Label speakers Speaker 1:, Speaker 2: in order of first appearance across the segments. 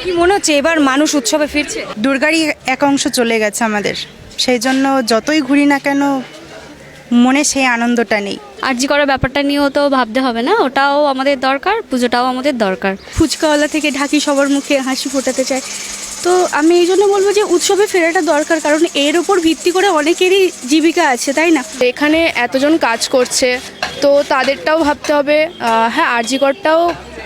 Speaker 1: কি মনে হচ্ছে এবার মানুষ উৎসবে ফিরছে?
Speaker 2: দুর্গারই এক অংশ চলে গেছে আমাদের, সেই জন্য যতই ঘুরি না কেন মনে সেই আনন্দটা নেই।
Speaker 3: আরজি করার ব্যাপারটা নিয়েও তো ভাবতে হবে না, ওটাও আমাদের দরকার, পুজোটাও আমাদের দরকার।
Speaker 4: ফুচকাওয়ালা থেকে ঢাকি সবার মুখে হাসি ফোটাতে চায়, তো আমি এই জন্য বলবো যে উৎসবে ফেরাটা দরকার, কারণ এর ওপর ভিত্তি করে অনেকেরই জীবিকা আছে, তাই না?
Speaker 5: এখানে এতজন কাজ করছে, তো তাদেরটাও ভাবতে হবে। হ্যাঁ, আরজি করটাও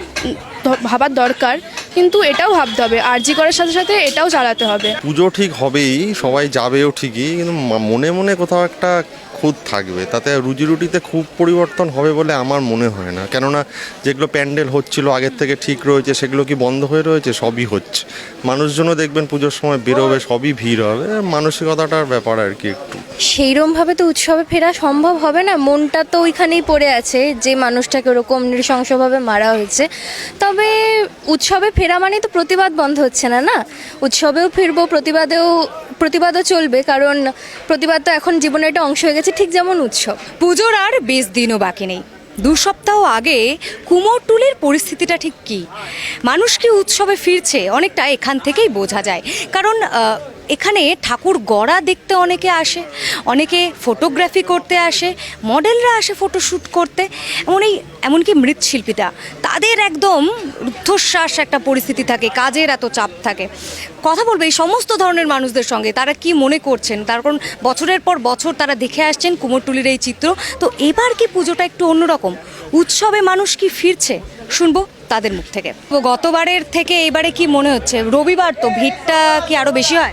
Speaker 5: ভাবার দরকার, কিন্তু এটাও ভাবতে হবে আরজি করার সাথে সাথে এটাও চালাতে হবে।
Speaker 6: পুজো ঠিক হবেই, সবাই যাবেও ঠিকই, কিন্তু মনে মনে কোথাও একটা খুঁত থাকবে, তাতে রুজি রুটিতে খুব পরিবর্তন হবে বলে আমার মনে হয় না। কেননা যেগুলো প্যান্ডেল হচ্ছিল আগের থেকে ঠিক রয়েছে, সেগুলো কি বন্ধ হয়ে রয়েছে? সবই হচ্ছে। মানুষজনও দেখবেন পুজোর সময় বেরোবে, সবই ভিড় হবে, মানসিকতাটার ব্যাপার আর কি একটু।
Speaker 7: সেইরমভাবে তো উৎসবে ফেরা সম্ভব হবে না, মনটা তো ওইখানেই পড়ে আছে যে মানুষটাকে ওরকম নৃশংসভাবে মারা হয়েছে। তবে উৎসবে ফেরা মানে তো প্রতিবাদ বন্ধ হচ্ছে না, না? উৎসবেও ফিরবো, প্রতিবাদও চলবে, কারণ প্রতিবাদ তো এখন জীবনের একটা অংশ হয়ে গেছে, ঠিক যেমন উৎসব।
Speaker 1: পুজোর আর বেশ দিনও বাকি নেই। 2 সপ্তাহ আগে কুমোরটুলির পরিস্থিতিটা ঠিক কী? মানুষ কি উৎসবে ফিরছে অনেকটা এখান থেকেই বোঝা যায়। কারণ এখানে ঠাকুর গড়া দেখতে অনেকে আসে, অনেকে ফটোগ্রাফি করতে আসে, মডেলরা আসে ফটোশ্যুট করতে, এমনকি মৃৎশিল্পীরা, তাদের একদম রুদ্ধশ্বাস একটা পরিস্থিতি থাকে, কাজের এত চাপ থাকে। কথা বলবে এই সমস্ত ধরনের মানুষদের সঙ্গে, তারা কি মনে করছেন, তার কারণ বছরের পর বছর তারা দেখে আসছেন কুমোরটুলির এই চিত্র। তো এবার কি পুজোটা একটু অন্যরকম, উৎসবে মানুষ কি ফিরছে, শুনবো তাদের মুখ থেকে। তো গতবারের থেকে এবারে কি মনে হচ্ছে? রবিবার তো ভিড়টা কি আরও বেশি হয়?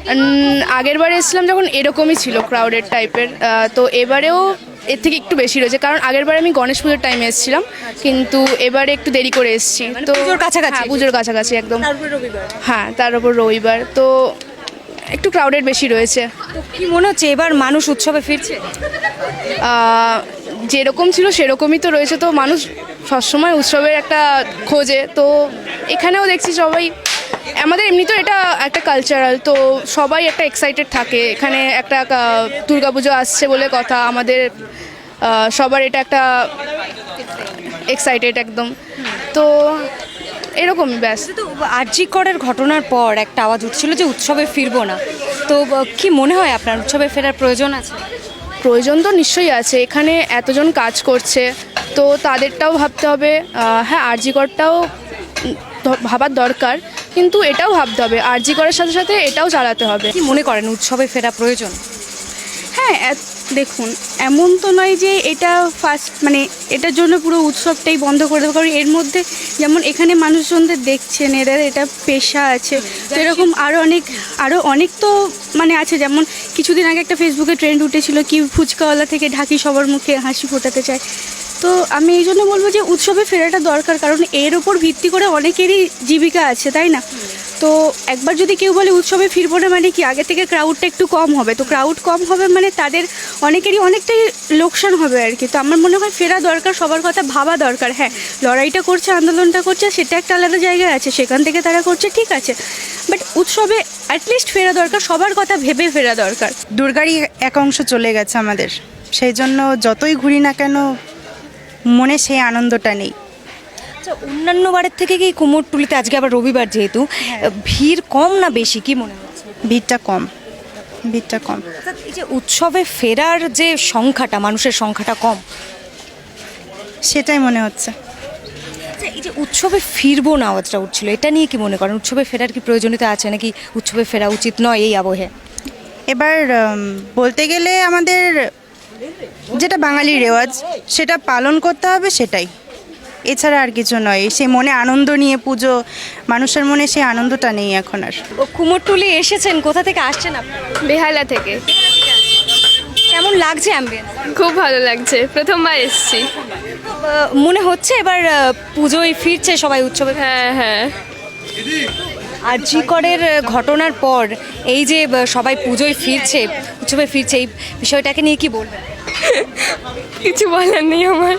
Speaker 5: আগের বারে এসেছিলাম যখন এরকমই ছিল, ক্রাউডেড টাইপের, তো এবারেও এর থেকে একটু বেশি রয়েছে, কারণ আগের বারে আমি গণেশ পুজোর টাইমে এসেছিলাম, কিন্তু এবারে একটু দেরি করে এসেছি। তো
Speaker 1: পুজোর কাছাকাছি?
Speaker 5: পুজোর কাছাকাছি একদম। হ্যাঁ, তার উপর রবিবার, তো একটু ক্রাউডেড বেশি রয়েছে।
Speaker 1: তো কি মনে হচ্ছে এবার মানুষ উৎসবে ফিরছে?
Speaker 5: যেরকম ছিল সেরকমই তো রয়েছে, তো মানুষ সবসময় উৎসবের একটা খোঁজে, তো এখানেও দেখছি সবাই, আমাদের এমনিতেও এটা একটা কালচারাল, তো সবাই একটা এক্সাইটেড থাকে। এখানে একটা দুর্গাপুজো আসছে বলে কথা, আমাদের সবার এটা একটা এক্সাইটেড একদম, তো এরকমই ব্যাস।
Speaker 1: তো আরজি করের ঘটনার পর একটা আওয়াজ উঠছিল যে উৎসবে ফিরবো না, তো কি মনে হয় আপনার উৎসবে ফেরার প্রয়োজন আছে?
Speaker 5: প্রয়োজন তো নিশ্চয়ই আছে, এখানে এতজন কাজ করছে, তো তাদেরটাও ভাবতে হবে। হ্যাঁ, আরজি করটাও ভাবার দরকার, কিন্তু এটাও ভাবতে হবে আরজি করার সাথে সাথে এটাও চালাতে হবে।
Speaker 1: কি মনে করেন উৎসবে ফেরা প্রয়োজন?
Speaker 4: হ্যাঁ, দেখুন, এমন তো নয় যে এটা ফার্স্ট মানে এটার জন্য পুরো উৎসবটাই বন্ধ করে দেবো, কারণ এর মধ্যে যেমন এখানে মানুষজনদের দেখছেন, এদের এটা পেশা আছে, তো এরকম আরও অনেক তো মানে আছে। যেমন কিছুদিন আগে একটা ফেসবুকে ট্রেন্ড উঠেছিল কি ফুচকাওয়ালা থেকে ঢাকি সবার মুখে হাসি ফোটাতে চায়, তো আমি এই জন্য বলবো যে উৎসবে ফেরাটা দরকার, কারণ এর ওপর ভিত্তি করে অনেকেরই জীবিকা আছে, তাই না? তো একবার যদি কেউ বলে উৎসবে ফিরবো না, মানে কি আগে থেকে ক্রাউডটা একটু কম হবে, তো ক্রাউড কম হবে মানে তাদের অনেকেরই অনেকটাই লোকসান হবে আর কি। তো আমার মনে হয় ফেরা দরকার, সবার কথা ভাবা দরকার। হ্যাঁ, লড়াইটা করছে, আন্দোলনটা করছে, সেটা একটা আলাদা জায়গায় আছে, সেখান থেকে তারা করছে, ঠিক আছে, বাট উৎসবে অ্যাটলিস্ট ফেরা দরকার, সবার কথা ভেবে ফেরা দরকার।
Speaker 2: দুর্গারই এক অংশ চলে গেছে আমাদের, সেই জন্য যতই ঘুরি না কেন মনে সেই আনন্দটা নেই।
Speaker 1: আচ্ছা, অন্যান্য বারের থেকে কি কুমোরটুলিতে আজকে আবার রবিবার যেহেতু ভিড় কম না বেশি, কি মনে হচ্ছে?
Speaker 2: ভিড়টা কম।
Speaker 1: এই যে উৎসবে ফেরার যে সংখ্যাটা, মানুষের সংখ্যাটা কম,
Speaker 2: সেটাই মনে হচ্ছে।
Speaker 1: আচ্ছা, এই যে উৎসবে ফিরবো না আওয়াজটা উঠছিল, এটা নিয়ে কি মনে করেন? উৎসবে ফেরার কি প্রয়োজনীয়তা আছে, নাকি উৎসবে ফেরা উচিত নয় এই আবহে?
Speaker 2: এবার বলতে গেলে আমাদের যেটা বাঙালি রেওয়াজ সেটা পালন করতে হবে, সেটাই, এছাড়া আর কিছু নয়। সেই মনে আনন্দ নিয়ে পুজো, মানুষের মনে সেই আনন্দটা নেই এখন আর।
Speaker 1: কুমোরটুলি এসেছেন, কোথা থেকে আসছেন আপনারা?
Speaker 5: বেহালা থেকে।
Speaker 1: কেমন লাগছে অ্যাম্বিয়েন্স?
Speaker 5: খুব ভালো লাগছে, প্রথমবার এসেছি।
Speaker 1: মনে হচ্ছে এবার পুজোয় ফিরছে সবাই উৎসবে?
Speaker 5: হ্যাঁ।
Speaker 1: আরজি করের ঘটনার পর এই যে সবাই পুজোয় ফিরছে, উৎসবে ফিরছে, এই বিষয়টাকে নিয়ে কি বলবেন?
Speaker 5: কিছু বলার নেই আমার।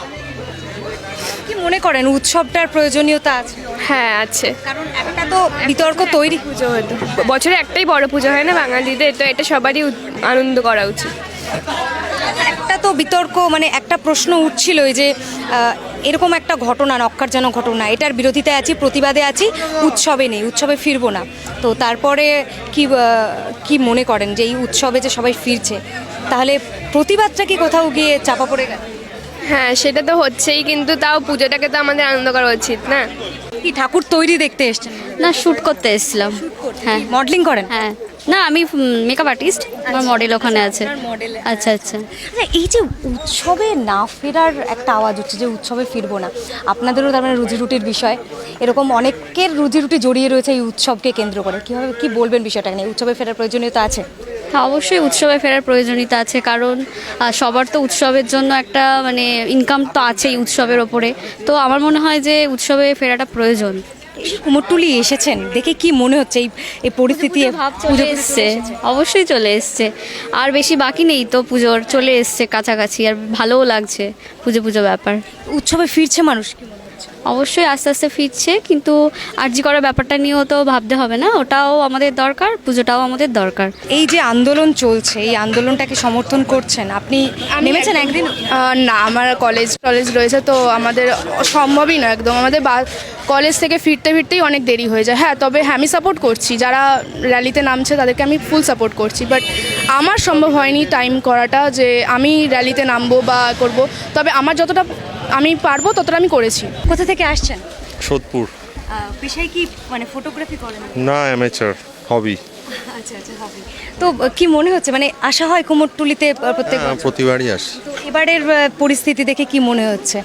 Speaker 1: কি মনে করেন উৎসবটার প্রয়োজনীয়তা আছে?
Speaker 5: হ্যাঁ, আছে,
Speaker 1: কারণ একটা তো বিতর্ক তৈরি,
Speaker 5: পুজো হতো বছরে একটাই বড় পুজো হয় না বাঙালিদের, তো এটা সবারই আনন্দ করা উচিত।
Speaker 1: একটা তো বিতর্ক, মানে একটা প্রশ্ন উঠছিল যে এরকম একটা ঘটনা, নক্কারজনক ঘটনা, এটার বিরোধিতায় আছি, প্রতিবাদে আছি, উৎসবে নেই, উৎসবে ফিরবো না। তো তারপরে কি মনে করেন যে এই উৎসবে যে সবাই ফিরছে, তাহলে প্রতিবাদটা কি কোথাও গিয়ে চাপা পড়ে গেল?
Speaker 8: হ্যাঁ, সেটা তো হচ্ছেই, কিন্তু তাও পুজোটাকে তো আমাদের আনন্দ করা উচিত না?
Speaker 1: কি ঠাকুর তৈরি দেখতে এসছেন?
Speaker 3: না, শ্যুট করতে এসেছিলাম। হ্যাঁ,
Speaker 1: মডেলিং করেন?
Speaker 3: হ্যাঁ। না, আমি মেকআপ আর্টিস্ট, আমার মডেল ওখানে আছে। আচ্ছা আচ্ছা।
Speaker 1: আচ্ছা, এই যে উৎসবে না ফেরার একটা আওয়াজ হচ্ছে যে উৎসবে ফিরবো না, আপনাদেরও তার মানে রুজি রুটির বিষয়, এরকম অনেকের রুজি রুটি জড়িয়ে রয়েছে এই উৎসবকে কেন্দ্র করে, কীভাবে কি বলবেন বিষয়টা নিয়ে? উৎসবে ফেরার প্রয়োজনীয়তা আছে?
Speaker 3: হ্যাঁ, অবশ্যই উৎসবে ফেরার প্রয়োজনীয়তা আছে, কারণ সবার তো উৎসবের জন্য একটা মানে ইনকাম তো আছেই উৎসবের ওপরে। তো আমার মনে হয় যে উৎসবে ফেরাটা প্রয়োজন।
Speaker 1: কুমোরটুলি এসেছেন, দেখে কি মনে হচ্ছে এই পরিস্থিতি?
Speaker 3: ভাব চলে এসছে, অবশ্যই চলে এসছে, আর বেশি বাকি নেই তো পুজোর, চলে এসছে কাছাকাছি, আর ভালোও লাগছে পুজো পুজো ব্যাপার।
Speaker 1: উৎসবে ফিরছে মানুষ, কি মনে হচ্ছে?
Speaker 3: অবশ্যই আস্তে আস্তে ফিরছে, কিন্তু আরজি করার ব্যাপারটা নিয়েও তো ভাবতে হবে না, ওটাও আমাদের দরকার, পুজোটাও আমাদের দরকার।
Speaker 1: এই যে আন্দোলন চলছে, এই আন্দোলনটাকে সমর্থন করছেন আপনি? নেমেছেন একদিন?
Speaker 5: না, আমার কলেজ রয়েছে, তো আমাদের সম্ভবই না একদম, আমাদের কলেজ থেকে ফিরতেই অনেক দেরি হয়ে যায়। হ্যাঁ, তবে হ্যাঁ, আমি সাপোর্ট করছি, যারা র্যালিতে নামছে তাদেরকে আমি ফুল সাপোর্ট করছি, বাট আমার সম্ভব হয়নি টাইম করাটা যে আমি র্যালিতে নামবো বা করব, তবে আমার যতটা আমি পারবো ততটা আমি করেছি।
Speaker 1: কোথা থেকে আসছেন?
Speaker 6: সোদপুর।
Speaker 1: পেশায় কি মানে ফটোগ্রাফি করেন?
Speaker 6: না, অ্যামেচার, হবি।
Speaker 1: আচ্ছা আচ্ছা, হবে। তো কি মনে হচ্ছে, মানে আসা হয় কুমোরটুলিতে প্রত্যেক বছর?
Speaker 6: প্রতিবারই আসি।
Speaker 1: তো এবারের পরিস্থিতি দেখে কি মনে হচ্ছে?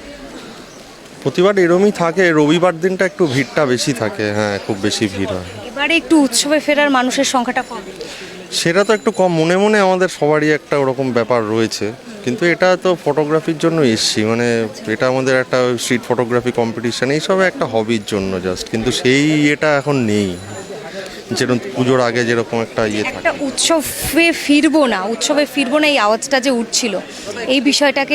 Speaker 6: প্রতিবার এরমই থাকে, রবিবার দিনটা একটু ভিড়টা বেশি থাকে। হ্যাঁ, খুব বেশি ভিড় হয়।
Speaker 1: এবারে একটু উৎসবে ফেরার মানুষের সংখ্যাটা কম।
Speaker 6: সেটা তো একটু কম, মনে মনে আমাদের সবারই একটা ওরকম ব্যাপার রয়েছে, কিন্তু এটা তো ফটোগ্রাফির জন্য এসছি, মানে এটা আমাদের একটা স্ট্রিট ফটোগ্রাফি কম্পিটিশান, এইসব একটা হবির জন্য জাস্ট, কিন্তু সেই এটা এখন নেই যেরকম পুজোর আগে যেরকম একটা ইয়ে থাকে।
Speaker 1: একটা উৎসবে ফিরবো না এই আওয়াজটা যে উঠছিল, এই বিষয়টাকে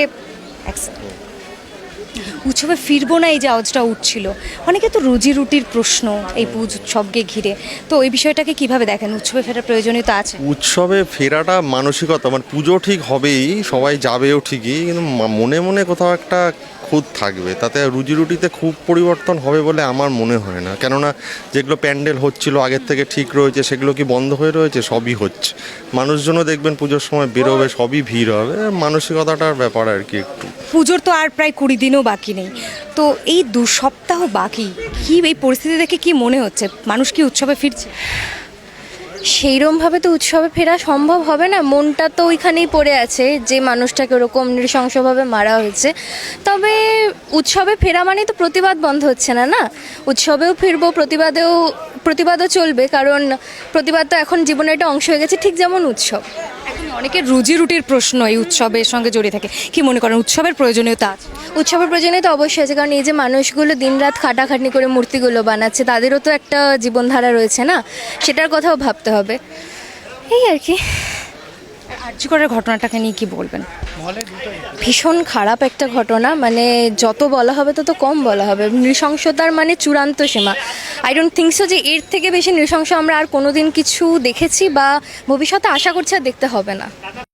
Speaker 1: উৎসবে ফিরবো না এই যে আওয়াজটা উঠছিল, অনেকে তো রুজি রুটির প্রশ্ন এই উৎসবকে ঘিরে, তো এই বিষয়টাকে কিভাবে দেখেন? উৎসবে ফেরার প্রয়োজনীয়তা আছে?
Speaker 6: উৎসবে ফেরাটা মানসিকতা, মানে পুজো ঠিক হবেই, সবাই যাবেও ঠিকই, কিন্তু মনে মনে কোথাও একটা খুঁত থাকবে, তাতে রুজি রুটিতে খুব পরিবর্তন হবে বলে আমার মনে হয় না। কেননা যেগুলো প্যান্ডেল হচ্ছিল আগের থেকে ঠিক রয়েছে, সেগুলো কি বন্ধ হয়ে রয়েছে? সবই হচ্ছে, মানুষজনও দেখবেন পুজোর সময় বেরোবে, সবই ভিড় হবে, মানসিকতাটার ব্যাপার আর কি। একটু
Speaker 1: পুজোর তো আর প্রায় 20 দিনও বাকি নেই, তো এই 2 সপ্তাহ বাকি, কি এই পরিস্থিতি দেখে কি মনে হচ্ছে, মানুষ কি উৎসবে ফিরছে?
Speaker 7: সেইরমভাবে তো উৎসবে ফেরা সম্ভব হবে না, মনটা তো ওইখানেই পড়ে আছে যে মানুষটাকে ওরকম নৃশংসভাবে মারা হয়েছে। তবে উৎসবে ফেরা মানে তো প্রতিবাদ বন্ধ হচ্ছে না, না? উৎসবেও ফিরবো, প্রতিবাদও চলবে, কারণ প্রতিবাদ তো এখন জীবনের একটা অংশ হয়ে গেছে, ঠিক যেমন উৎসব।
Speaker 1: এখন অনেকের রুজি রুটির প্রশ্ন এই উৎসবের সঙ্গে জড়িয়ে থাকে, কি মনে করেন উৎসবের প্রয়োজনীয়তা আছে?
Speaker 7: উৎসবের প্রয়োজনীয়তা অবশ্যই আছে, কারণ এই যে মানুষগুলো দিনরাত খাটাখাটনি করে মূর্তিগুলো বানাচ্ছে, তাদেরও তো একটা জীবনধারা রয়েছে, না? সেটার কথাও ভাবতে হবে, এই আর কি।
Speaker 1: আরজি করার ঘটনাটাকে নিয়ে কি বলবেন?
Speaker 7: ভীষণ খারাপ একটা ঘটনা, মানে যত বলা হবে তত কম বলা হবে। নৃশংসতার মানে চূড়ান্ত সীমা। আই ডোন্ট থিঙ্ক সো যে এর থেকে বেশি নৃশংস আমরা আর কোনোদিন কিছু দেখেছি বা ভবিষ্যতে আশা করছি আর দেখতে হবে না।